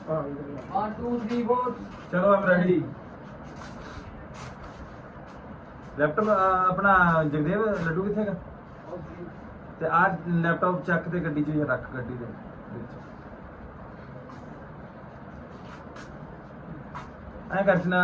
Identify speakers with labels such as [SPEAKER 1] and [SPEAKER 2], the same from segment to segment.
[SPEAKER 1] 1 2 3 4
[SPEAKER 2] ਚਲੋ ਆਮ ready. Laptop ਆਪਣਾ ਜਗਦੇਵ ਲੱਡੂ ਕਿੱਥੇ ਹੈਗਾ? ਤੇ ਆਹ ਲੈਪਟਾਪ ਚੱਕ ਤੇ ਗੱਡੀ 'ਚ ਰੱਖ, ਗੱਡੀ ਦੇ ਵਿੱਚ ਐ ਕਰਨਾ।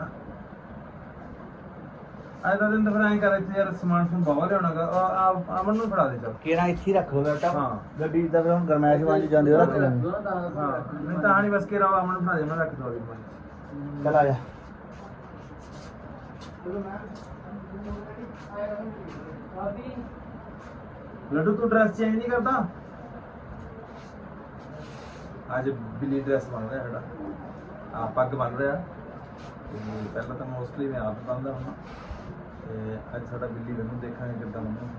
[SPEAKER 2] ਅੱਜ ਦਾ ਦਿਨ ਤਾਂ ਫਿਰ ਐਂ ਕਰ, ਇੱਥੇ ਯਾਰ ਸਮਾਨ ਸਮੂਨ ਬਾਵਾ ਲਿਆਉਣਾਗਾ। ਅਮਨ ਨੂੰ ਫੜਾ ਦੇ ਚੱਲ।
[SPEAKER 3] ਕਿਹੜਾ ਇੱਥੇ ਹੀ ਰੱਖ ਲਓ ਲੈਪਟਾਪ।
[SPEAKER 2] ਹਾਂ
[SPEAKER 3] ਗੱਡੀ ਦਾ ਫਿਰ ਹੁਣ ਗਰਮੈਸ਼ ਵਾਂਝ ਜਾਂਦੇ ਹੋ ਰੱਖ ਲੈਣੇ।
[SPEAKER 2] ਹਾਂ ਨਹੀਂ ਤਾਂ ਨਹੀਂ ਬਸ ਕੇ ਰਹਾ ਅਮਨ ਨੂੰ ਫੜਾ ਦੇ, ਮੈਂ ਰੱਖ ਦਵਾਂ।
[SPEAKER 3] ਚੱਲ ਆ ਜਾ।
[SPEAKER 2] ਲੱਡੂ ਤੂੰ ਡਰੈਸ ਚੇਂਜ ਨਹੀਂ ਕਰਦਾ? ਅੱਜ ਬਿੱਲੀ ਡਰੈਸ ਬਣ ਰਿਹਾ ਸਾਡਾ, ਆ ਪੱਗ ਬਣ ਰਿਹਾ। ਤੇ ਪਹਿਲਾਂ ਤਾਂ ਮੋਸਟਲੀ ਮੈਂ ਆਪ ਬੰਨਦਾ ਹੁੰਦਾ, ਤੇ ਅੱਜ ਸਾਡਾ ਬਿੱਲੀ ਮੈਨੂੰ ਦੇਖਾਂਗੇ ਕਿੱਦਾਂ ਬੰਨ੍ਹਦਾ।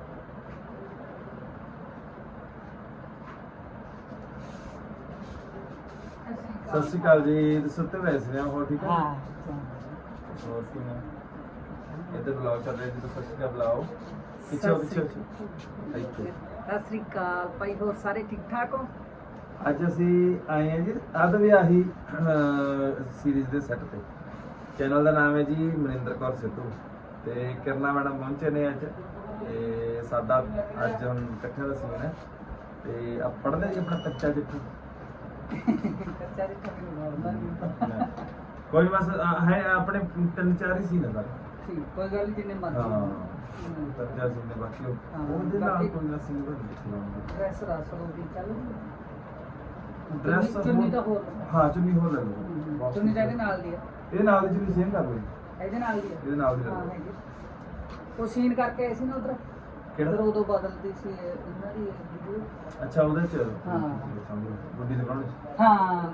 [SPEAKER 2] ਸਤਿ ਸ਼੍ਰੀ ਅਕਾਲ ਜੀ। ਤੁਸੀਂ ਸੁੱਤੇ ਪਏ ਸੀ? ਹੋਰ ਠੀਕ ਹੈ?
[SPEAKER 1] ਹਾਂ
[SPEAKER 2] ਹੋਰ ਕਿਵੇਂ? ਇੱਧਰ ਬੁਲਾਓ ਚੱਲ ਰਿਹਾ ਜੀ, ਤਾਂ ਸਤਿ ਸ਼੍ਰੀ ਅਕਾਲ ਬੁਲਾਓ। ਪਿੱਛੇ ਪਿੱਛੇ ਇੱਥੇ।
[SPEAKER 1] ਸਤਿ ਸ੍ਰੀ ਅਕਾਲ ਭਾਈ, ਹੋਰ ਸਾਰੇ ਠੀਕ ਠਾਕ ਹੋ?
[SPEAKER 2] ਅੱਜ ਅਸੀਂ ਆਏ ਹਾਂ ਜੀ ਅੱਧ ਵਿਆਹੀ ਸੀਰੀਜ਼ ਦੇ ਸੈੱਟ ਤੇ। ਚੈਨਲ ਦਾ ਨਾਮ ਹੈ ਜੀ ਮਨਿੰਦਰ ਕੌਰ ਸਿੱਧੂ, ਤੇ ਕਿਰਨਾ ਮੈਡਮ ਪਹੁੰਚੇ ਨੇ ਅੱਜ। ਤੇ ਸਾਡਾ ਅੱਜ ਹੁਣ ਇਕੱਠਿਆਂ ਦਾ ਸੀਨ ਹੈ। ਤੇ ਆ ਪੜ੍ਹਦੇ ਜੀ ਆਪਣਾ ਕੱਚਾ ਚਿੱਠੂ।
[SPEAKER 1] ਕੱਚਾ ਜਿਹਾ ਮੈਨੂੰ ਮਾਰਦਾ ਨਹੀਂ।
[SPEAKER 2] ਕੋਈ ਬਸ ਹੈ ਆਪਣੇ 3-4 ਹੀ ਸੀਨ ਹੈ ਸਾਰੇ।
[SPEAKER 1] ਠੀਕ, ਕੋਈ ਗੱਲ ਨਹੀਂ, ਜਿੰਨੇ ਮਰਜ਼ੀ।
[SPEAKER 2] ਹਾਂ ਕੱਚਾ ਸੀਨ ਨੇ ਬਾਕੀ ਉਹਦੇ ਨਾਲ
[SPEAKER 1] ਬਾਕੀ-
[SPEAKER 2] ਕੋਈ ਨਾ ਸੀਨ ਬਣ
[SPEAKER 1] ਡਰੈਸ ਰਸ ਹੋ ਗਈ ਚੱਲ।
[SPEAKER 2] ਡਰੈਸ
[SPEAKER 1] ਚੁੰਨੀ ਤਾਂ ਹੋਰ
[SPEAKER 2] ਹਾਂ ਚੁੰਨੀ ਹੋਰ ਲੈ ਲਓ।
[SPEAKER 1] ਚੁੰਨੀ ਤਾਂ ਇਹਦੇ ਨਾਲ ਦੀ ਆ।
[SPEAKER 2] ਇਹ ਨਾਲ ਦੀ ਚੁੰਨੀ ਸੇਮ ਕਰ ਲਓ ਜੀ।
[SPEAKER 1] ਇਹਦੇ ਨਾਲ ਦੀ ਆ।
[SPEAKER 2] ਇਹਦੇ ਨਾਲ ਦੀ ਲੈ
[SPEAKER 1] ਹਾਂ
[SPEAKER 2] ਲਓ।
[SPEAKER 1] ਹੈਗੀ। ਉਹ ਸੀਨ ਕਰਕੇ ਆਏ ਸੀ ਨਾ ਉਧਰ।
[SPEAKER 2] ਕਿਹੜਾ?
[SPEAKER 1] ਉਧਰ ਉਦੋਂ ਬਦਲਦੀ ਸੀ ਇਹਨਾਂ ਦੀ ਵੀਡੀਓ।
[SPEAKER 2] ਅੱਛਾ ਉਹਦੇ ਚ
[SPEAKER 1] ਹਾਂ।
[SPEAKER 2] ਗੁੱਡੀ ਦੇ ਬਣਾਉਣੇ
[SPEAKER 1] ਹਾਂ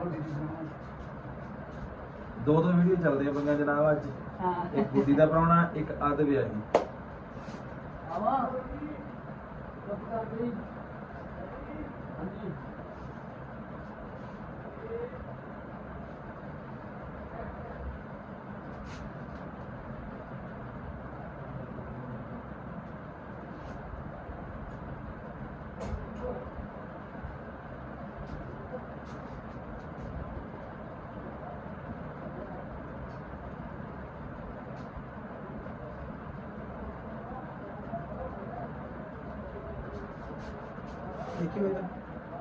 [SPEAKER 2] ਦੋ ਵੀਡੀਓ ਚੱਲਦੇ ਆ ਬੰਗਾ ਜਨਾਬ ਅੱਜ।
[SPEAKER 1] ਹਾਂ
[SPEAKER 2] ਇੱਕ ਗੁੱਡੀ ਦਾ ਪ੍ਰਾਹੁਣਾ, ਇੱਕ ਅੱਧ ਵਿਆਹੀ।
[SPEAKER 1] ਆਵਾ ਚੁੱਪ ਕਰ ਗਈ। ਹਾਂਜੀ
[SPEAKER 2] ਦੇਖੀ ਹੋਈ ਨਾ।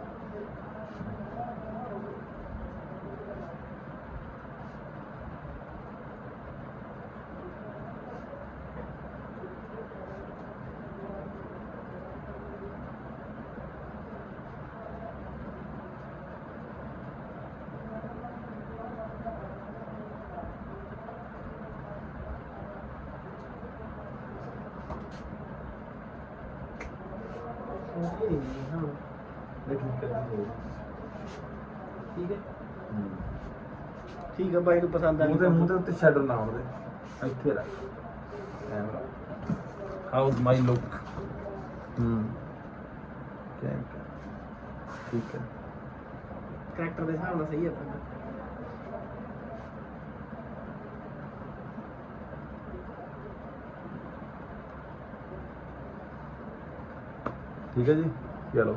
[SPEAKER 3] ਠੀਕ ਹੈ ਠੀਕ ਹੈ ਬਾਈ ਨੂੰ ਪਸੰਦ ਆ
[SPEAKER 2] ਮੂੰਹ ਦੇ ਉੱਤੇ ਸ਼ੈਡੋ ਨਾ ਆਉਣ ਦੇ। ਇੱਥੇ ਰੱਖ ਕੈਮਰਾ। ਹਾਊਸ ਮਾਈ ਲੁੱਕ। ਠੀਕ ਹੈ।
[SPEAKER 3] ਕਰੈਕਟਰ ਦੇ ਹਿਸਾਬ ਨਾਲ ਸਹੀ ਹੈ ਆਪਣਾ।
[SPEAKER 2] ਠੀਕ ਹੈ ਜੀ ਚਲੋ।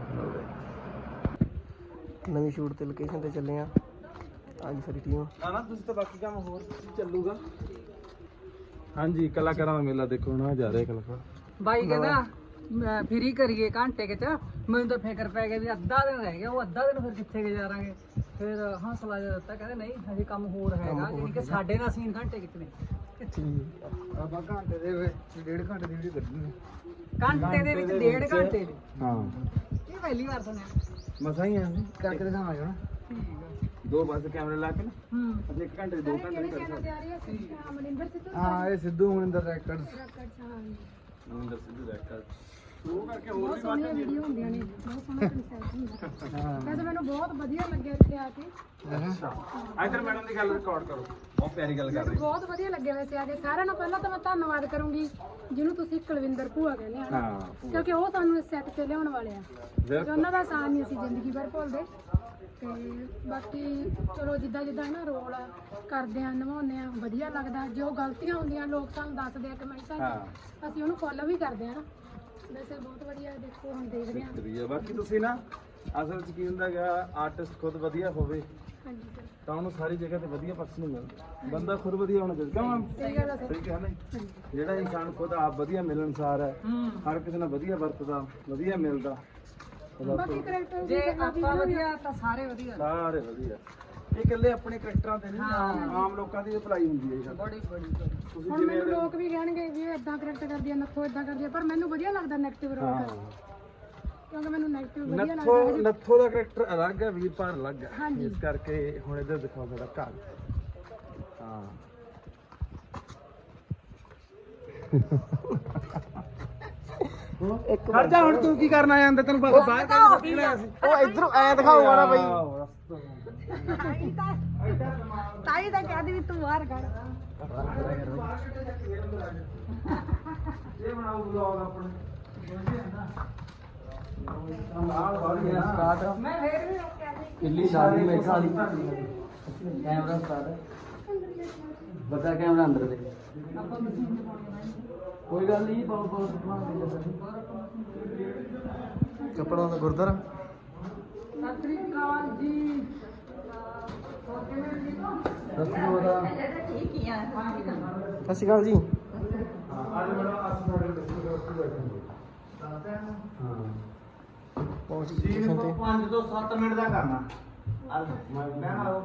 [SPEAKER 3] ਨਵੀਂ ਸ਼ੂਟ ਤੇ ਲੋਕੇਸ਼ਨ ਤੇ ਚੱਲੇ ਆ ਅੱਜ ਸਾਰੀ ਟੀਮ।
[SPEAKER 2] ਨਾ ਤੁਸੀਂ ਤਾਂ ਬਾਕੀ ਕੰਮ ਹੋਰ ਚੱਲੂਗਾ। ਹਾਂਜੀ ਕਲਾਕਾਰਾਂ ਦਾ ਮੇਲਾ ਦੇਖੋ ਨਾ ਜਾ ਰਿਹਾ ਕਲਾਕਾਰ।
[SPEAKER 1] ਬਾਈ ਕਹਿੰਦਾ ਮੈਂ ਫਰੀ ਕਰੀਏ ਘੰਟੇ ਚ। ਮੈਨੂੰ ਤਾਂ ਫਿਕਰ ਪੈ ਗਿਆ ਵੀ ਅੱਧਾ ਦਿਨ ਰਹਿ ਗਿਆ। ਉਹ ਅੱਧਾ ਦਿਨ ਫਿਰ ਕਿੱਥੇ ਗੁਜ਼ਾਰਾਂਗੇ? ਫਿਰ ਹੌਸਲਾ ਜਿਹਾ ਦਿੱਤਾ, ਕਹਿੰਦੇ ਨਹੀਂ ਹਜੇ ਕੰਮ ਹੋਰ ਹੈਗਾ, ਯਾਨੀ ਕਿ ਸਾਡੇ ਨਾਲ ਸੀਨ ਘੰਟੇ ਕਿਤਨੇ
[SPEAKER 3] ਆਪਾਂ ਘੰਟੇ ਦੇ ਵਿੱਚ 1.5 ਘੰਟੇ ਦੀ ਵੀਡੀਓ ਕੱਢਣੀ।
[SPEAKER 1] ਘੰਟੇ ਦੇ ਵਿੱਚ 1.5 ਘੰਟੇ ਦੀ।
[SPEAKER 2] ਹਾਂ
[SPEAKER 1] ਇਹ ਪਹਿਲੀ ਵਾਰ ਸੁਣਿਆ।
[SPEAKER 2] ਮਸਾਂ ਹੀ ਆ
[SPEAKER 3] ਕਰਕੇ ਦਿਖਾਵਾਂਗੇ ਨਾ।
[SPEAKER 1] ਠੀਕ ਆ।
[SPEAKER 2] ਦੋ ਬਸ ਕੈਮਰੇ ਲਾ ਕੇ ਨਾ
[SPEAKER 1] ਹੂੰ
[SPEAKER 2] ਅਸੀਂ 1 ਘੰਟੇ 2 ਘੰਟੇ ਨਹੀਂ ਕਰ ਸਕਦੇ।
[SPEAKER 3] ਹਾਂ ਇਹ ਸਿੱਧੂ ਮਨਿੰਦਰ ਰੈਕਰਡਸ।
[SPEAKER 2] ਮਨਿੰਦਰ ਸਿੱਧੂ ਰੈਕਟਰ ਉਹ ਕਰਕੇ ਹੋਰ
[SPEAKER 4] ਬਹੁਤ
[SPEAKER 2] ਵੀ
[SPEAKER 4] ਸੋਹਣੀਆਂ ਵੀਡੀਓ ਹੁੰਦੀਆਂ ਨੇ, ਬਹੁਤ ਸੋਹਣਾ ਕਨਸੈਪਟ ਹੁੰਦਾ। ਵੈਸੇ ਮੈਨੂੰ ਬਹੁਤ ਵਧੀਆ ਲੱਗਿਆ ਇੱਥੇ ਆ ਕੇ।
[SPEAKER 2] ਅੱਛਾ ਇੱਧਰ ਮੈਡਮ ਦੀ ਗੱਲ ਰਿਕਾਰਡ ਕਰੋ। ਬਹੁਤ ਪਿਆਰੀ ਗੱਲ ਕਰ ਰਹੀ।
[SPEAKER 4] ਬਹੁਤ ਵਧੀਆ ਲੱਗਿਆ ਵੈਸੇ ਆ ਕੇ। ਸਾਰਿਆਂ ਨਾਲੋਂ ਪਹਿਲਾਂ ਤਾਂ ਮੈਂ ਧੰਨਵਾਦ ਕਰੂੰਗੀ ਜਿਹਨੂੰ ਤੁਸੀਂ ਕੁਲਵਿੰਦਰ ਭੂਆ ਕਹਿੰਦੇ ਆ ਨਾ,
[SPEAKER 2] ਹਾਂ
[SPEAKER 4] ਕਿਉਂਕਿ ਉਹ ਸਾਨੂੰ ਇਸ ਸੈੱਟ ਤੇ ਲਿਆਉਣ ਵਾਲੇ ਆ ਤੇ ਉਹਨਾਂ ਦਾ ਆਸਾਨ ਨਹੀਂ ਅਸੀਂ ਜ਼ਿੰਦਗੀ ਭਰ ਭੁੱਲਦੇ। ਤੇ ਬਾਕੀ ਚਲੋ ਜਿੱਦਾਂ ਜਿੱਦਾਂ ਨਾ ਰੋਲ ਕਰਦੇ ਆ ਨਿਭਾਉਂਦੇ ਆ ਵਧੀਆ ਲੱਗਦਾ। ਜੋ ਗਲਤੀਆਂ ਹੁੰਦੀਆਂ ਲੋਕ ਸਾਨੂੰ ਦੱਸਦੇ ਆ ਕਮੈਂਟਾਂ 'ਚ, ਅਸੀਂ ਉਹਨੂੰ ਫੋਲੋ ਵੀ ਕਰਦੇ ਆ ਨਾ। ਵੈਸੇ ਬਹੁਤ ਵਧੀਆ ਦੇਖੋ ਹੁਣ ਦੇਖਦੇ ਆ।
[SPEAKER 2] ਬਾਕੀ ਤੁਸੀਂ ਨਾ ਅਸਲ ਚ ਕੀ ਹੁੰਦਾ ਹੈਗਾ, ਆਰਟਿਸਟ ਖੁਦ ਵਧੀਆ ਹੋਵੇ
[SPEAKER 4] ਹਾਂਜੀ ਸਰ
[SPEAKER 2] ਤਾਂ ਉਹਨੂੰ ਸਾਰੀ ਜਗ੍ਹਾ ਤੇ ਵਧੀਆ ਪਰਸਨ ਨਹੀਂ ਮਿਲਦਾ। ਬੰਦਾ ਖੁਦ ਵਧੀਆ ਹੋਣਾ ਚਾਹੀਦਾ। ਕਿਉਂ ਮੈਮ?
[SPEAKER 4] ਸਹੀ ਗੱਲ ਆ ਸਰ।
[SPEAKER 2] ਸਹੀ ਕਿਹਾ ਨਾ ਜੀ? ਜਿਹੜਾ ਇਨਸਾਨ ਖੁਦ ਆਪ ਵਧੀਆ ਮਿਲਣਸਾਰ ਹੈ, ਹਰ ਕਿਸੇ ਨਾਲ ਵਧੀਆ ਵਰਤਦਾ, ਵਧੀਆ ਮਿਲਦਾ,
[SPEAKER 4] ਬਾਕੀ ਕਰੈਕਟਰ
[SPEAKER 1] ਜੇ ਆਪਾਂ ਵਧੀਆ ਤਾਂ ਸਾਰੇ ਵਧੀਆ।
[SPEAKER 2] ਸਾਰੇ ਵਧੀਆ। ਇਹ ਇਕੱਲੇ ਆਪਣੇ ਕਰੈਕਟਰਾਂ ਤੇ ਨਹੀਂ, ਆਮ ਲੋਕਾਂ ਦੀ ਅਪਲਾਈ ਹੁੰਦੀ ਹੈ ਇਹ ਗੱਲ।
[SPEAKER 1] ਬੜੀ
[SPEAKER 2] ਤੁਸੀਂ
[SPEAKER 4] ਹੁਣ ਮੈਨੂੰ ਲੋਕ ਵੀ ਕਹਿਣਗੇ ਵੀ ਇਹ ਇਦਾਂ ਕਰੈਕਟਰ ਕਰਦੀ ਆ, ਨੱਥੋ ਇਦਾਂ ਕਰਦੀ ਆ, ਪਰ ਮੈਨੂੰ ਵਧੀਆ ਲੱਗਦਾ ਨੈਗੇਟਿਵ ਰੋਲ ਕਰਨਾ, ਕਿਉਂਕਿ ਮੈਨੂੰ ਨੈਗੇਟਿਵ ਵਧੀਆ ਲੱਗਦਾ ਹੈ।
[SPEAKER 2] ਨੱਥੋ ਦਾ ਕਰੈਕਟਰ ਅਲੱਗ ਹੈ, ਵੀਰਪਾਲ ਅਲੱਗ ਹੈ।
[SPEAKER 4] ਹਾਂਜੀ।
[SPEAKER 2] ਇਸ ਕਰਕੇ ਹੁਣ ਇੱਧਰ ਦਿਖਾਓ ਸਾਡਾ ਘਰ। ਹਾਂ ਖੜ ਜਾ ਹੁਣ, ਤੂੰ ਕੀ ਕਰਨ ਆਇਆ ਅੰਦਰ? ਤੈਨੂੰ ਬਾਹਰ ਕੱਢ ਕੇ ਲਿਆ ਸੀ।
[SPEAKER 3] ਉਹ ਇਧਰੋਂ ਐ ਦਿਖਾਊਗਾ ਨਾ ਬਈ।
[SPEAKER 4] ਤਾਈ ਤਾਂ ਕਹਿੰਦੀ ਵੀ ਤੂੰ ਬਾਹਰ ਕੱਢ।
[SPEAKER 2] ਇਹ ਬਣਾਓ ਵਲੌਗ ਆਪਣੇ।
[SPEAKER 1] ਮੈਂ ਫੇਰ ਵੀ ਰੋਕਿਆ ਸੀ।
[SPEAKER 3] ਕਿੱਲੀ ਸਾਡੀ ਮੇਖਾ ਵਾਲੀ ਕੈਮਰਾ ਸਟਾਰਟ ਬਤਾ ਕੈਮਰਾ ਅੰਦਰ ਦੇ
[SPEAKER 1] ਆਪਾਂ ਮਸ਼ੀਨ ਪਾਉਣੀ
[SPEAKER 3] ਕੋਈ ਗੱਲ ਨਹੀਂ ਪਾਉ ਪਾਉ ਕੱਪੜਾ ਦਾ ਗੁਰਦਾਰਾ
[SPEAKER 1] ਸਤਿ ਸ੍ਰੀ ਅਕਾਲ ਜੀ। ਹੋਰ ਕਿਵੇਂ ਠੀਕ ਹੋ?
[SPEAKER 3] ਸਤਿ
[SPEAKER 1] ਠੀਕ ਹੀ ਆ।
[SPEAKER 3] ਸ਼੍ਰੀ ਅਕਾਲ ਜੀ।
[SPEAKER 2] ਅੱਜ ਮੈਡਮ ਅਸੀਂ ਤੁਹਾਡੇ ਦੱਸੂਗੇ ਉੱਥੇ ਬੈਠਾਂਗੇ।
[SPEAKER 3] ਪਹੁੰਚ
[SPEAKER 2] ਸੀਨ
[SPEAKER 3] ਗਏ ਤੇ
[SPEAKER 2] 5 ਤੋਂ 7 ਮਿੰਟ ਦਾ ਕਰਨਾ। ਅੱਜ ਮੈਂ ਆਓ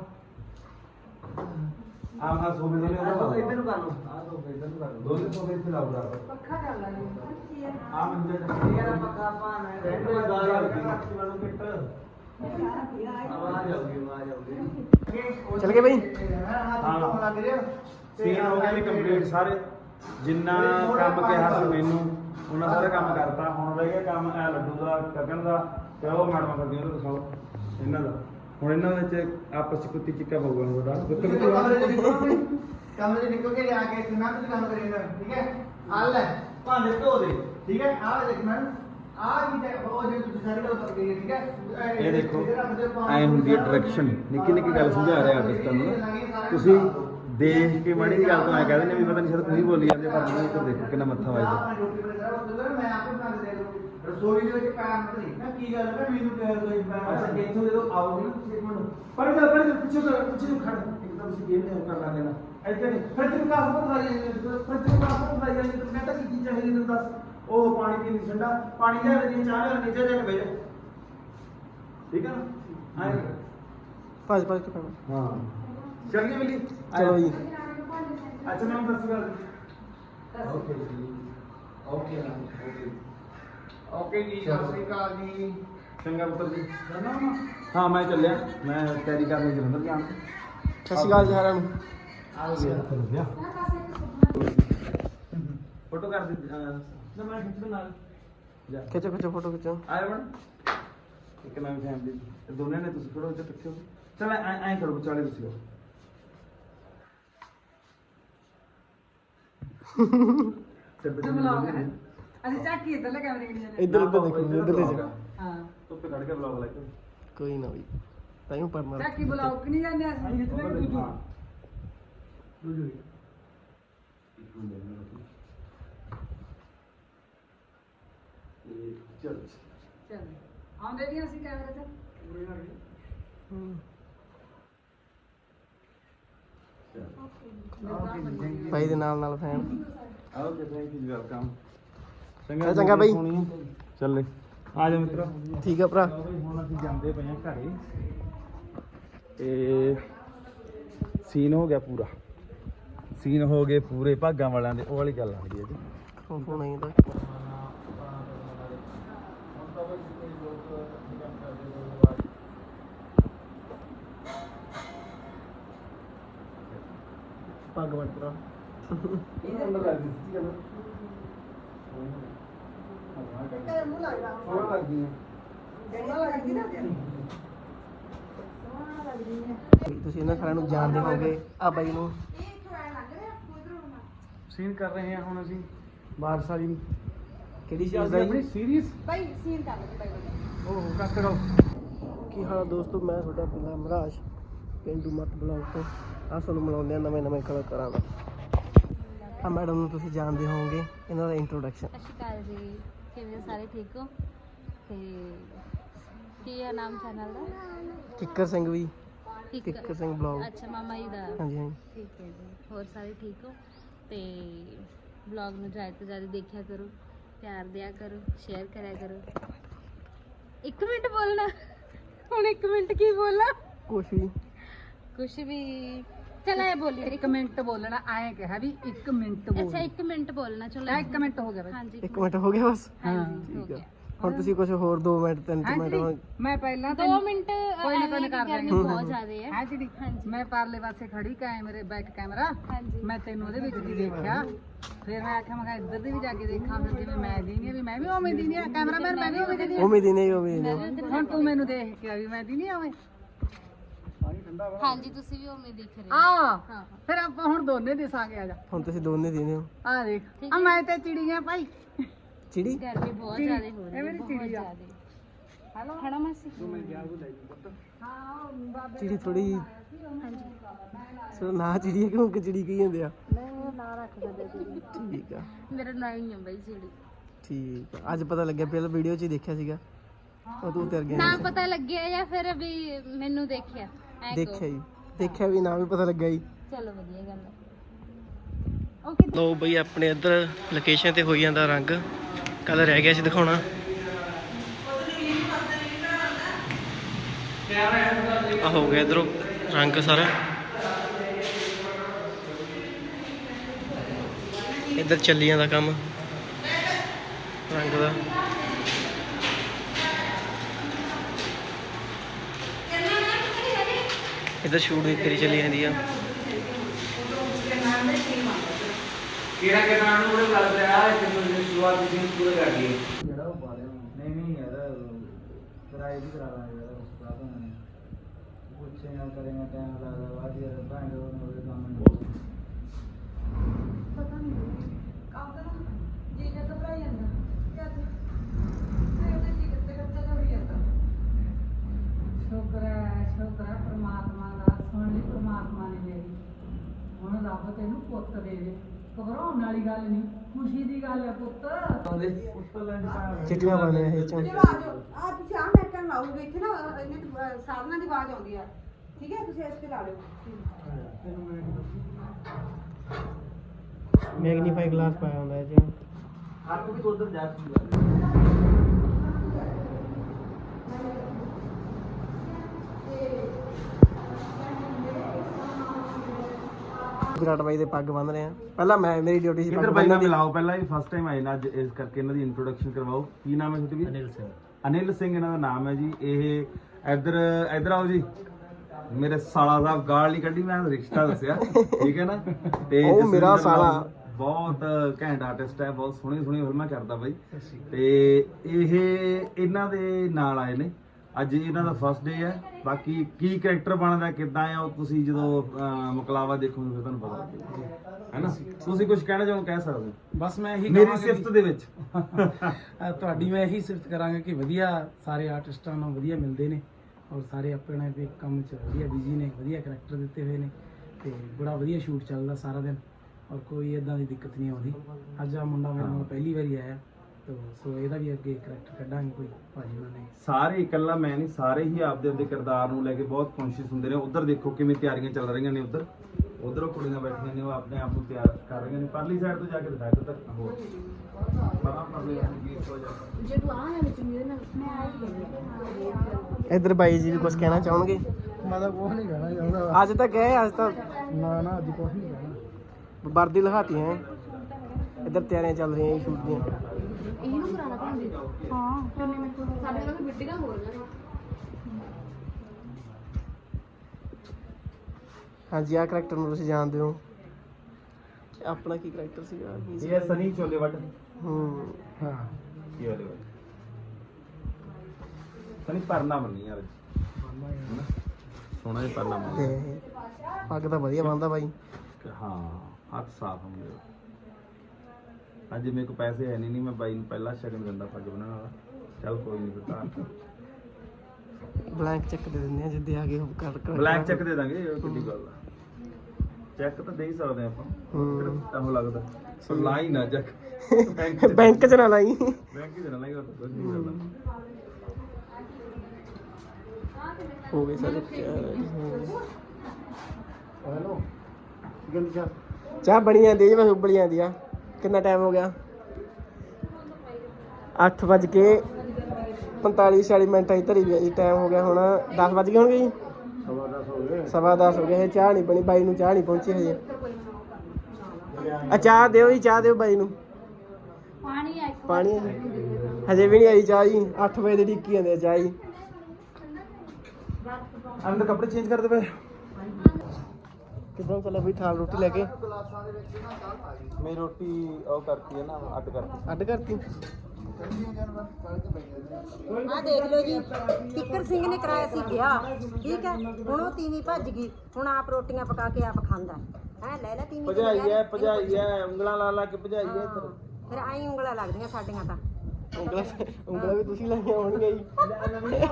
[SPEAKER 2] ਆਹ ਸੋਫੇ ਦੇ ਇੱਧਰ ਨੂੰ ਕਰ ਲਓ। ਆਹ ਸੋਫੇ ਇੱਧਰ ਨੂੰ ਕਰ ਲਓ। ਦੋਨੇ ਸੋਫੇ ਇੱਥੇ ਲਾਓ ਬਰਾਬਰ।
[SPEAKER 1] ਪੱਖਾ ਚੱਲ ਰਿਹਾ
[SPEAKER 2] ਆ ਮੰਜੇ ਤੇ ਇਹ ਪੱਕਾ ਪਾਣਾ ਹੈ। ਰੈਂਟ ਦੀ ਗਾਲ ਆ ਗਈ ਮੈਨੂੰ ਕਿੱਟ ਆਵਾਜ਼ ਆਉਗੀ।
[SPEAKER 3] ਚਲ ਗਏ ਬਈ।
[SPEAKER 2] ਹਾਂ ਸੀਨ ਹੋ ਗਿਆ ਵੀ ਕੰਪਲੀਟ ਸਾਰੇ। ਜਿੰਨਾ ਕੰਮ ਕਿਹਾ ਸੀ ਮੈਨੂੰ ਉਹਨਾਂ ਸਾਰਾ ਕੰਮ ਕਰਤਾ। ਹੁਣ ਰਹਿ ਗਿਆ ਕੰਮ ਇਹ ਲੱਡੂ ਦਾ, ਗਗਨ ਦਾ ਤੇ ਉਹ ਮੈਡਮ ਕਰਦੀਆਂ ਉਹ ਦਿਖਾਓ ਇਹਨਾਂ ਦਾ। ਹੁਣ ਇਹਨਾਂ ਵਿੱਚ ਆਪਸ ਚ ਕੁੱਤੀ ਚਿੱਕਾ ਪਊਗਾ ਤੁਹਾਡਾ।
[SPEAKER 3] ਕਮਰੇ ਨਿਕਲ ਕੇ ਲਿਆ ਕੇ ਮੈਂ ਤੁਸੀਂ ਕੰਮ ਕਰੀ ਨਾ, ਠੀਕ ਹੈ? ਹੱਲ ਹੈ ਭਾਂਡੇ ਧੋ ਦੇ, ਠੀਕ ਹੈ? ਆਹ ਦੇਖ ਮੈਂ ਆਹ ਕੀ ਉਹ ਜੇ ਤੁਸੀਂ ਸਾਰੀ ਗੱਲ ਪੱਕ ਗਈ ਹੈ, ਠੀਕ ਹੈ?
[SPEAKER 2] ਇਹ ਦੇਖੋ ਐ ਹੁੰਦੀ ਹੈ ਡਾਇਰੈਕਸ਼ਨ। ਨਿੱਕੀ ਨਿੱਕੀ ਗੱਲ ਸਮਝਾ ਰਿਹਾ ਆਰਟਿਸਟਾਂ ਨੂੰ। ਤੁਸੀਂ ਦੇਖ ਕੇ ਮਾੜੀ ਜਿਹੀ ਗੱਲ ਤੋਂ ਐ ਕਹਿ ਦਿੰਦੇ ਵੀ ਪਤਾ ਨਹੀਂ ਸ਼ਾਇਦ ਤੁਸੀਂ ਬੋਲੀ ਜਾਂਦੇ, ਪਰ ਤੁਸੀਂ ਇੱਧਰ ਦੇਖੋ ਕਿੰਨਾ ਮੱਥਾ ਵੱਜਦਾ।
[SPEAKER 3] ਮੈਂ ਆਪੇ ਬਣਾ ਕੇ ਦੇ ਦੂੰ ਰਸੋਈ ਦੇ ਵਿੱਚ ਪੈਰ ਮਤ ਨਹੀਂ। ਮੈਂ ਕੀ ਗੱਲ ਹੈ ਮੈਨੂੰ ਕਹਿ ਦੋ ਪੈਰ ਅੱਛਾ ਇੱਥੋਂ ਜਦੋਂ ਆਓਗੇ ਨਾ ਤੁਸੀਂ ਇੱਕ ਮਿੰਟ ਪਰ ਜਾ ਪਿੱਛੇ ਪਿੱਛੇ ਖੜ ਇੱਕਦਮ ਸੀ ਗੇਮ ਨਹੀਂ ਕਰ ਲਾਂਗੇ ਨਾ ਇੱਥੇ ਫਿਰ ਤੈਨੂੰ ਕਾਸ ਪਤ ਲਾਈ ਜਾਂਦੀ ਫਿਰ ਤੈਨੂੰ ਕਾਸ ਪਤ ਲਾਈ ਜਾਂਦੀ ਤੂੰ ਕਹਿੰਦਾ ਕੀ ਚਾਹੀਦੀ ਤੈਨੂੰ ਦੱਸ। ਉਹ ਪਾਣੀ ਪੀਣੀ ਠੰਡਾ ਪਾਣੀ ਲਿਆ ਦੇ, ਚਾਹ ਲਿਆ ਨੀਚੇ ਜਾ ਕੇ ਬਹਿ ਜਾ, ਠੀਕ ਹੈ ਨਾ? ਆਏ
[SPEAKER 5] ਭੱਜ ਭੱਜ ਕੇ ਪੈਣਾ।
[SPEAKER 2] ਹਾਂ ਚੱਲੀਏ ਮਿਲੀ
[SPEAKER 5] ਚਲੋ ਜੀ।
[SPEAKER 2] ਅੱਛਾ ਮੈਂ ਦੱਸ ਗੱਲ। ਓਕੇ ਜੀ ਓਕੇ ਓਕੇ ਜੀ ਸਤਿ ਸ੍ਰੀ ਅਕਾਲ ਜੀ। ਚੰਗਾ ਪੁੱਤਰ ਜੀ। ਹਾਂ ਮੈਂ ਚੱਲਿਆ, ਮੈਂ ਤਿਆਰੀ ਕਰਨੀ ਜਲੰਧਰ ਜਾਣ ਦੀ।
[SPEAKER 5] ਸਤਿ ਸ਼੍ਰੀ ਅਕਾਲ ਜੀ ਸਾਰਿਆਂ ਨੂੰ।
[SPEAKER 2] ਆ ਗਿਆ ਫੋਟੋ ਕਰ ਦੇ ਨਾ ਮੈਂ ਖਿੱਚ ਨਾਲ ਜਾ
[SPEAKER 5] ਖਿੱਚੋ ਖਿੱਚੋ ਫੋਟੋ ਖਿੱਚੋ।
[SPEAKER 2] ਆਏ ਬਣ ਇੱਕ ਨਵੀਂ ਫੈਮਿਲੀ ਦੋਨੇ ਨੇ ਤੁਸੀਂ ਖੜੋ ਇੱਥੇ ਪਿੱਛੇ। ਚਲ ਐਂ ਕਰੋ ਵਿਚਾਲੇ ਤੁਸੀਂ ਹੋ।
[SPEAKER 1] ਤੇ ਬਲੌਗ ਹੈ। ਅਸੀਂ ਝਾਕੀ ਇੱਧਰਲੇ ਕੈਮਰੇ ਕਿਹੜੀ ਜਾਂਦੇ।
[SPEAKER 5] ਇੱਧਰ ਇੱਧਰ ਦੇਖੋ ਇੱਧਰਲੇ ਚ।
[SPEAKER 1] ਹਾਂ
[SPEAKER 2] ਧੁੱਪੇ ਖੜ ਕੇ ਬਲੌਗ ਲਾਈਕ
[SPEAKER 5] ਕੋਈ ਨਾ ਬਈ ਤਾਈਓ ਪਰਨਾ।
[SPEAKER 1] ਝਾਕੀ ਬਲੌਗ ਨਹੀਂ ਜਾਂਦੇ ਅਸੀਂ ਜਿੱਤਨੇ ਦੂਜੂ
[SPEAKER 2] ਚਲ
[SPEAKER 1] ਚੱਲ ਆਉਂਦੇ ਵੀ ਅਸੀਂ ਕੈਮਰੇ ਤੇ ਪੂਰੇ ਨਾਲ
[SPEAKER 5] ਭਾਈ ਦੇ ਨਾਲ ਨਾਲ fan.
[SPEAKER 2] Okay thank you welcome.
[SPEAKER 5] ਚੰਗਾ ਬਈ।
[SPEAKER 2] ਚੱਲੇ ਆ ਜਾ ਮਿੱਤਰੋ।
[SPEAKER 5] ਠੀਕ ਆ ਭਰਾ।
[SPEAKER 2] ਹੁਣ ਅਸੀਂ ਜਾਂਦੇ ਪਏ ਆ ਘਰੇ ਤੇ ਸੀਨ ਹੋ ਗਿਆ ਪੂਰਾ। ਸੀਨ ਹੋ ਗਏ ਪੂਰੇ ਭਾਗਾਂ ਵਾਲਿਆਂ ਦੇ। ਉਹ ਵਾਲੀ ਗੱਲ ਆ ਗਈ ਜੀ।
[SPEAKER 5] ਫੋਨ ਆਈ ਤਾਂ ਪੱਗ ਵੱਟ ਭਰਾ। ਤੁਸੀਂ ਇਹਨਾਂ ਸਾਰਿਆਂ ਨੂੰ ਜਾਣਦੇ ਹੋਗੇ। ਆ ਬਾਈ ਨੂੰ
[SPEAKER 2] ਸੀਨ ਕਰ ਰਹੇ ਹਾਂ ਹੁਣ ਅਸੀਂ
[SPEAKER 5] ਬਾਰਸ ਵਾਲੀ ਕਿਹੜੀ ਚੀਜ਼
[SPEAKER 2] ਚੱਲਦੀ
[SPEAKER 5] ਦਾ
[SPEAKER 2] ਆਪਣੀ
[SPEAKER 5] ਜੀ?
[SPEAKER 2] ਸੀਰੀਜ਼।
[SPEAKER 1] ਭਾਈ ਸੀਨ ਕਰ ਲਓ ਭਾਈ।
[SPEAKER 2] ਓਹ ਕੱਟ ਕਰੋ।
[SPEAKER 5] ਕੀ ਹਾਲ ਆ ਦੋਸਤੋ, ਮੈਂ ਤੁਹਾਡਾ ਪਿੰਡਾ ਮਹਾਰਾਜ ਪਿੰਡੂ ਮੱਤ ਬਲੌਗ ਤੋਂ। ਆ ਤੁਹਾਨੂੰ ਮਿਲਾਉਂਦੇ ਆ ਨਵੇਂ ਕਲਾਕਾਰਾਂ ਦਾ। ਆ ਮੈਡਮ ਨੂੰ ਤੁਸੀਂ ਜਾਣਦੇ ਹੋਵੋਗੇ, ਇਹਨਾਂ ਦਾ ਇੰਟਰੋਡਕਸ਼ਨ।
[SPEAKER 6] ਸਤਿ ਸ਼੍ਰੀ ਅਕਾਲ ਜੀ, ਕਿਵੇਂ ਹੋ ਸਾਰੇ? ਠੀਕ ਹੋ? ਤੇ ਕੀ ਹੈ ਨਾਮ ਚੈਨਲ ਦਾ?
[SPEAKER 5] ਕਿੱਕਰ ਸਿੰਘ ਵੀ ਕਿੱਕਰ ਸਿੰਘ ਬਲੌਗ।
[SPEAKER 6] ਅੱਛਾ ਮਾਮਾ ਜੀ ਦਾ।
[SPEAKER 5] ਹਾਂਜੀ ਹਾਂਜੀ।
[SPEAKER 6] ਠੀਕ ਹੈ ਜੀ। ਹੋਰ ਸਾਰੇ ਠੀਕ ਹੋ? ਤੇ ਵਲੌਗ ਨੂੰ ਜ਼ਿਆਦਾ ਤੋਂ ਜ਼ਿਆਦਾ ਦੇਖਿਆ ਕਰੋ, ਪਿਆਰ ਦਿਆ ਕਰੋ, ਸ਼ੇਅਰ ਕਰਿਆ ਕਰੋ। 1 ਮਿੰਟ ਬੋਲਣਾ ਹੁਣ, 1 ਮਿੰਟ ਕੀ ਬੋਲਾਂ?
[SPEAKER 5] ਕੁਛ ਵੀ
[SPEAKER 6] ਕੁਛ ਵੀ। ਚਲ ਐ ਬੋਲੀ
[SPEAKER 1] 1 ਮਿੰਟ ਬੋਲਣਾ, ਆਏ ਕਿਹਾ ਵੀ 1 ਮਿੰਟ ਬੋਲ।
[SPEAKER 6] ਅੱਛਾ 1 ਮਿੰਟ ਬੋਲਣਾ। ਚਲੋ
[SPEAKER 1] 1 ਮਿੰਟ ਹੋ ਗਿਆ ਬਈ।
[SPEAKER 6] ਹਾਂਜੀ
[SPEAKER 5] 1 ਮਿੰਟ ਹੋ ਗਿਆ ਬਸ।
[SPEAKER 6] ਹਾਂਜੀ ਹੋ
[SPEAKER 5] ਠੀਕ ਆ।
[SPEAKER 6] ਗਿਆ।
[SPEAKER 5] ਹੁਣ ਤੁਸੀਂ ਕੁਝ ਹੋਰ 2 ਮਿੰਟ 3
[SPEAKER 1] ਹਾਂ
[SPEAKER 5] ਮਿੰਟ
[SPEAKER 1] ਜੀ, ਮੈਂ ਪਹਿਲਾਂ
[SPEAKER 6] 2 ਮਿੰਟ
[SPEAKER 1] ਕੋਈ ਨਾ
[SPEAKER 6] ਐਵੇਂ
[SPEAKER 1] ਕਰ
[SPEAKER 6] ਗਰਮੀ
[SPEAKER 1] ਦਿਆਂਗੇ।
[SPEAKER 6] ਬਹੁਤ ਜ਼ਿਆਦਾ ਹੈ।
[SPEAKER 1] ਹੈ ਜਿਹੜੀ
[SPEAKER 6] ਹਾਂਜੀ।
[SPEAKER 1] ਮੈਂ ਪਰਲੇ ਪਾਸੇ ਖੜੀ ਕੈਮਰੇ ਬੈਕ ਕੈਮਰਾ,
[SPEAKER 6] ਹਾਂਜੀ।
[SPEAKER 1] ਮੈਂ ਤੈਨੂੰ ਉਹਦੇ ਵਿੱਚ ਦੀ ਦੇਖਿਆ, ਫਿਰ ਮੈਂ ਆਖਿਆ ਮੈਂ ਕਿਹਾ ਇੱਧਰ ਦੀ ਵੀ ਜਾ ਕੇ ਦੇਖਾਂ, ਫਿਰ ਜਿਵੇਂ ਮੈਂ ਦੀ ਨਹੀਂ ਵੀ ਮੈਂ ਵੀ ਉਵੇਂ ਦੀ ਨਹੀਂ ਆ, ਕੈਮਰਾਮੈਨ ਮੈਂ ਵੀ ਉਵੇਂ ਦੀ ਨਹੀਂ
[SPEAKER 5] ਉਮੀਦ ਹੀ ਨਹੀਂ ਉਮੀਦ ਨਹੀਂ।
[SPEAKER 1] ਹੁਣ ਤੂੰ ਮੈਨੂੰ ਦੇਖ ਕੇ ਆ ਵੀ ਮੈਂ ਦੀ ਨਹੀਂ ਆਵੇਂ।
[SPEAKER 6] ਹਾਂਜੀ ਤੁਸੀਂ ਵੀ ਉਵੇਂ ਦਿਖ ਰਹੇ ਹੋ।
[SPEAKER 1] ਆ
[SPEAKER 6] ਹਾਂ
[SPEAKER 1] ਫਿਰ ਆਪਾਂ ਹੁਣ ਦੋਨੇ ਦਿਸਾਂਗੇ, ਆ ਜਾ
[SPEAKER 5] ਹੁਣ ਤੁਸੀਂ ਦੋਨੇ ਦਿਨੇ ਹੋ।
[SPEAKER 1] ਆ ਦੇਖ ਆ ਮੈਂ ਤੇ ਚਿੜੀਆਂ ਭਾਈ।
[SPEAKER 5] ਚਿੜੀ
[SPEAKER 6] ਗਰਮੀ ਬਹੁਤ ਜ਼ਿਆਦਾ ਹੋ ਰਹੀ
[SPEAKER 1] ਇਹ
[SPEAKER 6] ਹੈ,
[SPEAKER 1] ਮੇਰੀ
[SPEAKER 6] ਬਹੁਤ
[SPEAKER 1] ਚਿੜੀ ਆ।
[SPEAKER 6] ਜ਼ਿਆਦਾ।
[SPEAKER 1] ਹੈਲੋ
[SPEAKER 6] ਖੜਾ ਮਾਸੀ।
[SPEAKER 1] ਹਾਂ ਬਾਬੇ
[SPEAKER 5] ਚਿੜੀ ਥੋੜੀ
[SPEAKER 6] ਹਾਂਜੀ
[SPEAKER 5] ਸੋ ਨਾ ਚਿੜੀ ਕਿਉਂ ਕਿ ਚਿੜੀ ਕਹੀ ਜਾਂਦੇ ਆ।
[SPEAKER 6] ਨਹੀਂ ਨਾ ਰੱਖ ਸਕਦੇ ਜੀ।
[SPEAKER 5] ਠੀਕ ਆ
[SPEAKER 6] ਮੇਰਾ ਨਾਂ ਹੀ ਹੈ ਬਾਈ ਜਿਹੜੀ।
[SPEAKER 5] ਠੀਕ ਆ। ਅੱਜ ਪਤਾ ਲੱਗਿਆ, ਪਹਿਲਾਂ ਵੀਡੀਓ 'ਚ ਹੀ ਦੇਖਿਆ ਸੀਗਾ ਉਹ ਤੂੰ ਤੇਰ ਗਿਆ
[SPEAKER 6] ਨਾ ਪਤਾ ਲੱਗਿਆ ਜਾਂ ਫਿਰ ਵੀ ਮੈਨੂੰ ਦੇਖਿਆ? ਐਂ ਕਹੋ।
[SPEAKER 5] ਦੇਖਿਆ ਜੀ, ਦੇਖਿਆ ਵੀ ਨਾ ਵੀ ਪਤਾ ਲੱਗਾ ਜੀ।
[SPEAKER 6] ਚਲੋ ਵਧੀਆ ਗੱਲ ਹੈ। ਓਕੇ।
[SPEAKER 5] ਲੋ ਬਈ ਆਪਣੇ ਇੱਧਰ ਲੋਕੇਸ਼ਨ ਤੇ ਹੋਈ ਜਾਂਦਾ ਰੰਗ, ਕੱਲ ਰਹਿ ਗਿਆ ਸੀ ਦਿਖਾਉਣਾ। ਆ ਹੋ ਗਿਆ ਇਧਰੋਂ ਰੰਗ ਸਾਰਾ, ਇੱਧਰ ਚੱਲੀ ਜਾਂਦਾ ਕੰਮ ਰੰਗ ਦਾ। ਇੱਧਰ ਸ਼ੂਟ ਦੀ ਕਰੀ ਚੱਲੀ ਜਾਂਦੀ ਆ।
[SPEAKER 2] ਕਿਹੜਾ ਕਿਹੜਾ ਨੂੰ ਉਹਦੇ ਲੱਗ ਰਿਹਾ ਹੈ ਕਿ ਸ਼ੁਰੂਆਤ ਦੀ ਪੂਰਾ ਕਰ ਲਈ ਜਿਹੜਾ ਉਹ ਪਾ ਲਿਆ ਨਹੀਂ ਯਾਰ ਕਿਰਾਏ ਦੀ ਕਰਾ ਲਾਂਗੇ ਯਾਰ ਉਸ ਦਾ ਤਾਂ ਪੁੱਛੇ ਨਾ ਕਰੇਗਾ ਟਾਈਮ ਲੱਗਦਾ ਬਾਅਦ ਯਾਰ ਭਾਂਡੇ ਉਹਨੇ ਕੰਮ ਨਹੀਂ
[SPEAKER 1] ਪਤਾ ਨਹੀਂ ਕੰਮ ਦਾ ਜੀ ਜੇ ਘਬਰਾਈ ਜਾਂਦਾ ਕਿ ਅੱਜ ਸਵੇਰ ਦੇ ਜੀ ਕਿੱਥੇ ਕੱਚਾ ਹੋ ਜਾਂਦਾ। ਸ਼ੁਕਰ ਹੈ ਪ੍ਰਮਾਤਮਾ ਦਾ, ਸੁਣ ਲਈ ਪ੍ਰਮਾਤਮਾ ਨੇ ਮੇਰੀ। ਹੁਣ ਰੱਬ ਤੈਨੂੰ ਪੁੱਤ ਦੇ ਦੇ, ਘਬਰਾਉਣ ਵਾਲੀ ਗੱਲ ਨਹੀਂ, ਖੁਸ਼ੀ ਦੀ ਗੱਲ ਹੈ ਪੁੱਤ।
[SPEAKER 5] ਚਿੱਟੀਆਂ ਪਾਉਂਦੇ ਇਹ ਚ।
[SPEAKER 7] ਚਲੋ ਆ ਜਾਓ ਆ ਤੁਸੀਂ ਆ ਮੈਂ ਕਰਨ ਲਾਉਂਗੇ ਇੱਥੇ ਨਾ ਇਹਨੇ ਸਾਧਨਾਂ ਦੀ ਆਵਾਜ਼ ਆਉਂਦੀ ਆ, ਠੀਕ ਹੈ ਤੁਸੀਂ ਇਸ ਤੇ ਲਾ ਲਿਓ।
[SPEAKER 5] ਮੈਗਨੀਫਾਈ ਗਲਾਸ ਪਾਇਆ ਹੁੰਦਾ ਇਹ ਚ।
[SPEAKER 2] ਆਪ ਵੀ ਉਧਰ ਜਾ
[SPEAKER 5] ਵਿਰਾਟ ਬਾਈ ਦੇ ਪੱਗ ਬੰਨ ਰਹੇ ਆ। ਪਹਿਲਾਂ ਮੇਰੀ ਡਿਊਟੀ ਸੀ ਪੱਗ
[SPEAKER 2] ਇਧਰ ਬਾਈ
[SPEAKER 5] ਬੰਨ੍ਹਣ
[SPEAKER 2] ਨਾਲ
[SPEAKER 5] ਦੀ।
[SPEAKER 2] ਮਿਲਾਓ, ਪਹਿਲਾਂ ਹੀ ਫਸਟ ਟਾਈਮ ਆਏ ਨਾ ਅੱਜ, ਇਸ ਕਰਕੇ ਇਹਨਾਂ ਦੀ ਇੰਟਰੋਡਕਸ਼ਨ ਕਰਵਾਓ। ਕੀ ਨਾਮ ਹੈ ਤੁਹਾਡੀ ਵੀ? ਅਨਿਲ ਸਿੰਘ ਇਹਨਾਂ ਦਾ ਨਾਮ ਹੈ ਜੀ। ਇਹ ਇੱਧਰ ਆਓ ਜੀ। ਮੇਰੇ ਸਾਲਾ ਸਾਹਿਬ ਗਾਲ ਨਹੀਂ ਕੱਢੀ, ਮੈਂ ਰਿਸ਼ਤਾ ਦੱਸਿਆ ਠੀਕ ਹੈ ਨਾ। ਤੇ
[SPEAKER 5] ਉਹ ਮੇਰਾ
[SPEAKER 2] ਜਸਵਿੰਦਰ
[SPEAKER 5] ਸਾਲਾ
[SPEAKER 2] ਬਾਬੂ ਬਹੁਤ ਘੈਂਟ ਆਰਟਿਸਟ ਹੈ, ਬਹੁਤ ਸੋਹਣੀ ਫਿਲਮਾਂ ਕਰਦਾ ਬਾਈ। ਤੇ ਇਹ ਇਹਨਾਂ ਦੇ ਨਾਲ ਆਏ ਨੇ ਅੱਜ, ਇਹਨਾਂ ਦਾ ਫਸਟ ਡੇ ਹੈ। ਬਾਕੀ ਕੀ ਕੈਰੈਕਟਰ ਬਣਦਾ ਕਿੱਦਾਂ ਆ ਉਹ ਤੁਸੀਂ ਜਦੋਂ ਮੁਕਲਾਵਾ ਦੇਖੋਗੇ ਫਿਰ ਤੁਹਾਨੂੰ ਪਤਾ ਲੱਗੇਗਾ, ਹੈ ਨਾ। ਤੁਸੀਂ ਕੁਝ ਕਹਿਣਾ ਚਾਹੋ ਕਹਿ ਸਕਦੇ ਹੋ।
[SPEAKER 3] ਬਸ ਮੈਂ ਇਹੀ
[SPEAKER 2] ਮੇਰੀ
[SPEAKER 3] ਕਹਾਂਗਾ
[SPEAKER 2] ਸਿਫਤ ਦੇ ਵਿੱਚ
[SPEAKER 3] ਤੁਹਾਡੀ ਮੈਂ ਇਹੀ ਸਿਫਤ ਕਰਾਂਗਾ ਕਿ ਵਧੀਆ ਸਾਰੇ ਆਰਟਿਸਟਾਂ ਨੂੰ ਵਧੀਆ ਮਿਲਦੇ ਨੇ, ਔਰ ਸਾਰੇ ਆਪਣੇ ਆਪਣੇ ਕੰਮ 'ਚ ਵਧੀਆ ਬਿਜ਼ੀ ਨੇ, ਵਧੀਆ ਕਰੈਕਟਰ ਦਿੱਤੇ ਹੋਏ ਨੇ, ਤੇ ਬੜਾ ਵਧੀਆ ਸ਼ੂਟ ਚੱਲਦਾ ਸਾਰਾ ਦਿਨ, ਔਰ ਕੋਈ ਇਦਾਂ ਦੀ ਦਿੱਕਤ ਨਹੀਂ ਆਉਂਦੀ। ਅੱਜ ਆ ਮੁੰਡਾ ਮੇਰੇ ਨਾਲ ਪਹਿਲੀ ਵਾਰੀ ਆਇਆ, ਸੋ ਇਹਦਾ ਵੀ ਅੱਗੇ ਕਰੈਕਟਰ ਕੱਢਾਂਗੇ ਕੋਈ ਭਾਜੀ ਉਹਨਾਂ ਨੇ।
[SPEAKER 2] ਸਾਰੇ ਇਕੱਲਾ ਮੈਂ ਨਹੀਂ, ਸਾਰੇ ਹੀ ਆਪਦੇ ਆਪਦੇ ਕਿਰਦਾਰ ਨੂੰ ਲੈ ਕੇ ਬਹੁਤ ਕੌਨਸ਼ੀਅਸ ਹੁੰਦੇ ਨੇ। ਉਧਰ ਦੇਖੋ ਕਿਵੇਂ ਤਿਆਰੀਆਂ ਚੱਲ ਰਹੀਆਂ ਨੇ, ਉਧਰ ਉਹ ਕੁੜੀਆਂ ਬੈਠੀਆਂ ਨੇ, ਉਹ ਆਪਣੇ ਆਪ ਨੂੰ ਤਿਆਰ ਕਰ ਰਹੀਆਂ ਨੇ। ਪਰਲੀ ਸਾਈਡ ਤੋਂ ਜਾ ਕੇ ਦਿਖਾਇਆ ਤਾਂ ਹੋਰ ਪਰਲੀ ਗੀਤ ਹੋ ਜਾ।
[SPEAKER 7] ਜੇ ਤੂੰ ਆਇਆ ਵਿੱਚ ਮੇਰੇ ਨਾਲ ਮੈਂ ਆਈ ਗਈ
[SPEAKER 5] ਇੱਧਰ ਬਾਈ ਜੀ ਵੀ ਕੁਝ ਕਹਿਣਾ ਚਾਹਣਗੇ।
[SPEAKER 3] ਮੈਂ ਤਾਂ ਕੁਝ ਨਹੀਂ ਕਹਿਣਾ ਚਾਹੁੰਦਾ।
[SPEAKER 5] ਅੱਜ ਤਾਂ ਗਏ, ਅੱਜ ਤਾਂ
[SPEAKER 3] ਨਾ ਅੱਜ ਕੁਝ ਨਹੀਂ ਕਹਿਣਾ।
[SPEAKER 5] ਵਰਦੀ ਲਹਾਤੀ ਹੈ। ਇੱਧਰ ਤਿਆਰੀਆਂ ਚੱਲ ਰਹੀਆਂ ਸ਼ੂਟ ਦੀਆਂ।
[SPEAKER 7] ਇਹਨੂੰ ਕਰਾਣਾ ਪੈਂਦੀ ਹਾਂ ਚੁੰਨੀ ਮੇਰੇ ਕੋਲ ਸਾਡੇ ਨਾਲ ਵੀ ਮਿੱਟੀਆਂ ਹੋ ਰਹੀਆਂ ਨੇ।
[SPEAKER 5] ਹਾਂਜੀ ਆਹ ਕਰੈਕਟਰ ਨੂੰ ਤੁਸੀਂ ਜਾਣਦੇ ਹੋ। ਆਪਣਾ ਕੀ ਕਰੈਕਟਰ ਸੀਗਾ?
[SPEAKER 2] ਇਹ ਸਨੀ ਚੋਲੇ ਵੱਟ
[SPEAKER 3] ਹਾਂ
[SPEAKER 2] ਕੀ ਵਾਲੇ ਵੱਟ ਸਨੀ ਪਰਨਾ ਬੰਨੀ ਯਾਰ, ਸੋਹਣਾ ਜਿਹਾ ਪਰਨਾ ਬੰਨੀ।
[SPEAKER 5] ਤੇ ਪੱਗ ਤਾਂ ਵਧੀਆ ਬੰਨਦਾ ਬਾਈ।
[SPEAKER 2] ਹਾਂ ਹੱਥ ਸਾਫ ਹੁੰਦੇ। ਅੱਜ ਮੇਰੇ ਕੋਲ ਪੈਸੇ ਹੈ ਨਹੀਂ, ਮੈਂ ਬਾਈ ਨੂੰ ਪਹਿਲਾਂ ਸ਼ਗਨ ਦਿੰਦਾ ਪੱਗ ਬਣਾਉਣ ਵਾਲਾ। ਚੱਲ ਕੋਈ ਨਹੀਂ ਬਤਾ,
[SPEAKER 5] ਬਲੈਂਕ ਚੈੱਕ ਦੇ ਦਿੰਦੇ ਆ ਜਿੱਦੇ ਆ ਗਏ ਉਹ ਕਰ
[SPEAKER 2] ਬਲੈਂਕ ਚੈੱਕ ਦੇ ਦਾਂਗੇ, ਉਹ ਕਿੱਡੀ ਗੱਲ ਆ। ਚੈੱਕ ਤਾਂ ਦੇ ਹੀ ਸਕਦੇ ਆਪਾਂ, ਤੁਹਾਨੂੰ ਲੱਗਦਾ ਪਰ ਲਾਈ ਨਾ ਚੈੱਕ
[SPEAKER 5] ਬੈਂਕ ਚ ਨਾ ਲਾਈ।
[SPEAKER 2] ਬੈਂਕ ਹੀ ਦੇਣਾ ਲਾਈ, ਉਹ ਤਾਂ ਕੁਝ ਨਹੀਂ ਕਰਦਾ।
[SPEAKER 5] ਹੋ ਗਏ ਸਾਰੇ
[SPEAKER 3] ਹੈਲੋ ਗੰਦੀ ਚਾਹ
[SPEAKER 5] ਚਾਹ ਬਣੀ ਜਾਂਦੀ ਹੈ ਜੀ, ਬਸ ਉਬਲੀ ਜਾਂਦੀ ਆ। ਕਿੰਨਾ ਟਾਈਮ ਹੋ ਗਿਆ? 8:45 ਮਿੰਟ ਆਈ ਧਰੀ ਵੀ ਆ ਜੀ। ਟਾਈਮ ਹੋ ਗਿਆ ਹੁਣ 10 ਵੱਜ ਗਏ ਹੋਣਗੇ ਜੀ।
[SPEAKER 3] 10:15 ਹੋ ਗਏ।
[SPEAKER 5] 10:15 ਹੋ ਗਏ। ਚਾਹ ਨਹੀਂ ਬਣੀ, ਬਾਈ ਨੂੰ ਚਾਹ ਨਹੀਂ ਪਹੁੰਚੀ ਹਜੇ। ਚਾਹ ਦਿਓ ਜੀ, ਚਾਹ ਦਿਓ ਬਾਈ ਨੂੰ। ਪਾਣੀ ਹਜੇ ਵੀ ਨਹੀਂ ਆਈ ਚਾਹ ਜੀ। 8 ਵਜੇ ਦੀ ਢੀਕੀ ਜਾਂਦੇ ਆ ਚਾਹ ਜੀ।
[SPEAKER 3] ਅੰਦਰ ਕੱਪੜੇ ਚੇਂਜ ਕਰਦੇ ਪਏ।
[SPEAKER 5] ਕਿੱਦਾਂ ਚੱਲੇ ਬਈ ਥਾਲ ਰੋਟੀ ਲੈ ਕੇ?
[SPEAKER 2] ਮੇਰੀ ਰੋਟੀ ਉਹ ਕਰਤੀ ਹੈ ਨਾ, ਅੱਡ ਕਰਤੀ।
[SPEAKER 5] ਅੱਡ ਕਰਤੀ।
[SPEAKER 7] ਆ ਦੇਖ ਲਓ ਜੀ, ਕਿੱਕਰ ਸਿੰਘ ਨੇ ਕਰਾਇਆ ਸੀ ਵਿਆਹ, ਠੀਕ ਹੈ। ਹੁਣ ਉਹ ਤੀਵੀਂ ਭੱਜ ਗਈ, ਹੁਣ ਆਪ ਰੋਟੀਆਂ ਪਕਾ ਕੇ ਆਪ ਖਾਂਦਾ ਹੈ। ਲੈ ਲੈ ਤੀਵੀਂ
[SPEAKER 2] ਭਜਾਈ ਹੈ ਉਂਗਲਾਂ ਲਾ ਕੇ ਭਜਾਈ ਹੈ ਇੱਧਰ।
[SPEAKER 7] ਫਿਰ ਆਈ ਉਂਗਲਾਂ ਲੱਗਦੀਆਂ ਸਾਡੀਆਂ ਤਾਂ।
[SPEAKER 5] ਉਂਗਲਾਂ ਵੀ ਤੁਸੀਂ ਲਾਈਆਂ ਹੋਣਗੀਆਂ ਜੀ।